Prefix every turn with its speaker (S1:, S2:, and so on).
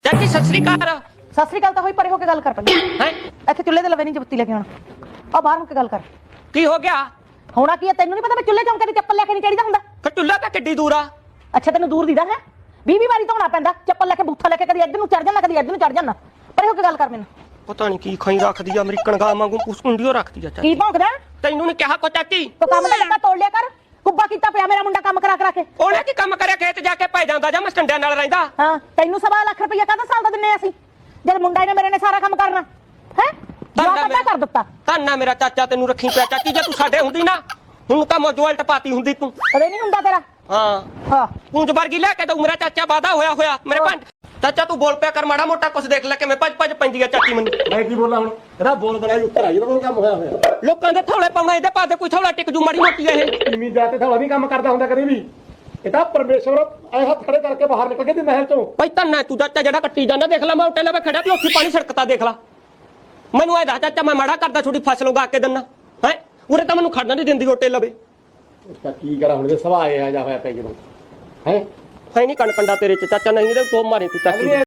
S1: ਚਾਚੀ ਸਤਿ ਸ੍ਰੀ ਅਕਾਲ।
S2: ਸਤਿ ਸ੍ਰੀ ਅਕਾਲ ਤਾਂ ਹੋਈ, ਪਰੇ ਹੋ ਕੇ ਗੱਲ ਕਰ ਪਹਿਲਾਂ।
S1: ਹੈ
S2: ਇੱਥੇ ਚੁੱਲ੍ਹੇ ਦੇ ਲਵੇ ਨਹੀਂ ਜਬੱਤੀ ਲੈ ਕੇ ਆਉਣਾ, ਆ ਬਾਹਰ ਹੋ ਕੇ ਗੱਲ ਕਰ।
S1: ਕੀ ਹੋ ਗਿਆ?
S2: ਹੋਣਾ ਕੀ ਹੈ, ਤੈਨੂੰ ਨਹੀਂ ਪਤਾ ਮੈਂ ਚੁੱਲ੍ਹੇ ਚੌਂਕੇ ਦੀ ਚੱਪਲ ਲੈ ਕੇ ਨਹੀਂ ਚੜੀਦਾ ਹੁੰਦਾ?
S1: ਫਿਰ ਚੁੱਲ੍ਹਾ ਤਾਂ ਕਿੱਡੀ ਦੂਰ ਆ?
S2: ਅੱਛਾ ਤੈਨੂੰ ਦੂਰ ਦੀਦਾ ਹੈ? 20 ਵਾਰੀ ਧੋਣਾ ਪੈਂਦਾ ਚੱਪਲ ਲੈ ਕੇ, ਬੂਥਾ ਲੈ ਕੇ, ਕਦੀ ਇੱਧਰ ਨੂੰ ਚੜ ਜਾਂਦਾ, ਕਦੀ ਇੱਧਰ ਨੂੰ ਚੜ ਜਾਂਦਾ। ਪਰੇ ਹੋ ਕੇ ਗੱਲ ਕਰ ਮੈਨੂੰ।
S1: ਪਤਾ ਨਹੀਂ ਕੀ ਖਾਈ ਰੱਖਦੀ ਆ, ਅਮਰੀਕਨ ਗਾਂ ਵਾਂਗੂ ਕੁੰਡੀਓ ਰੱਖਦੀ ਆ
S2: ਕੀ
S1: ਚਾਚੀ।
S2: ਭੌਂਕਦਾ?
S1: ਤੈਨੂੰ ਨਹੀਂ ਕਿਹਾ ਕੋ ਚਾਚੀ?
S2: ਤੂੰ ਕੰਮ ਦਾ ਡੱਬਾ ਤੋੜ ਲਿਆ ਕਰ। ਕੁੱਬਾ ਕੀਤਾ ਪਿਆ ਮੇਰਾ ਮੁੰਡਾ ਕੰਮ ਕਰਾ ਕੇ।
S1: ਉਹਨੇ ਕੀ ਕੰਮ ਕਰਿਆ? ਖੇਤ ਜਾ ਕੇ ਪੈ ਜਾਂਦਾ ਜਾਂ ਮਸਟੰਡਿਆਂ ਨਾਲ ਰਹਿੰਦਾ?
S2: ਹਾਂ ਤੈਨੂੰ 1.25 ਲੱਖ ਰੁਪਇਆ ਕਾਹਦਾ ਸਾਲ ਦਾ ਦਿੰਨੇ ਅਸੀਂ, ਜਦ ਮੁੰਡਾ ਇਹਨੇ ਮੇਰੇ ਨੇ ਸਾਰਾ ਕੰਮ ਕਰਨਾ ਹੈ? ਜਵਾਬ ਕਰ ਦਿੱਤਾ।
S1: ਧੰਨਾ ਮੇਰਾ ਚਾਚਾ, ਤੈਨੂੰ ਰੱਖੀ ਪਿਆ ਚਾਚੀ। ਜੇ ਤੂੰ ਸਾਡੇ ਹੁੰਦੀ ਨਾ, ਹੁਣ ਤਾਂ ਮੋਜੋਲ ਟਪਾਤੀ ਹੁੰਦੀ ਤੂੰ।
S2: ਕਦੇ ਨਹੀਂ ਹੁੰਦਾ ਤੇਰਾ।
S1: ਹਾਂ ਪੂੰਜ ਵਰਗੀ ਲੈ ਕੇ ਤਾਂ ਮੇਰਾ ਚਾਚਾ ਵਾਦਾ ਹੋਇਆ ਮੇਰੇ ਪੰਜ। ਚਾਚਾ ਤੂੰ ਬੋਲ ਪਿਆ ਕਰ, ਮਾੜਾ ਮੋਟਾ ਕੁਛ ਦੇਖ ਲੈ ਕਿਵੇਂ ਭੱਜ ਪੈਂਦੀ ਆ ਚਾਚੀ ਮੈਨੂੰ।
S3: ਮੈਂ ਕੀ ਬੋਲਾਂ ਹੁਣ? ਇਹਦਾ ਬੋਲ ਬੜਾ ਉੱਤਰ ਆ ਜਦੋਂ ਕੰਮ ਹੋਇਆ
S1: ਲੋਕਾਂ ਦੇ ਥੋੜੇ ਪਾਉਣਾ, ਇਹਦੇ ਪਾਦੇ ਕੋਈ ਥੋੜਾ ਟਿਕ ਜੂ ਮਾੜੀ ਮੋਟੀ ਇਹ।
S3: ਇੰਨੀ ਜਾ ਤੇ ਥੋੜਾ ਵੀ ਕੰਮ ਕਰਦਾ ਹੁੰਦਾ ਕਦੇ ਵੀ। ਇਹ ਤਾਂ ਪਰਮੇਸ਼ਵਰ ਐ ਹੱਥ ਖੜੇ ਕਰਕੇ ਬਾਹਰ ਨਿਕਲ ਕੇ ਤੇ ਮਹਿਲ ਚੋਂ।
S1: ਭਾਈ ਧੰਨਾ ਤੂੰ ਚਾਚਾ ਜਿਹੜਾ ਕੱਟੀ ਜਾਂਦਾ, ਦੇਖ ਲੈ ਮੈਂ ਉੱਤੇ ਲਵੇ ਖੜਾ ਤੇ ਉੱਥੇ ਪਾਣੀ ਛੜਕਤਾ ਦੇਖ ਲੈ। ਮੈਨੂੰ ਇਹ ਦੱਸ ਚਾਚਾ, ਮੈਂ ਮਾੜਾ ਕਰਦਾ ਛੋਟੀ ਫਸਲ ਉਗਾ ਕੇ ਦਿੰਨਾ ਹੈ? ਉਰੇ ਤਾਂ ਮੈਨੂੰ ਖੜਨਾ ਨਹੀਂ ਦਿੰਦੀ ਉੱਤੇ ਲਵੇ।
S3: ਤਾਂ ਕੀ ਕਰਾਂ ਹੁਣ, ਜੇ ਸਵਾ ਆਇਆ ਜਾ ਹੋਇਆ ਪੈ ਜਦੋਂ ਹੈ
S1: ਹੈ ਨਹੀਂ ਕਣ ਕੰਡਾ ਤੇਰੇ ਚ ਚਾਚਾ, ਨਹੀਂ ਤੇ ਤੋ ਮਾਰੇ ਤੂੰ ਚਾਚੀ।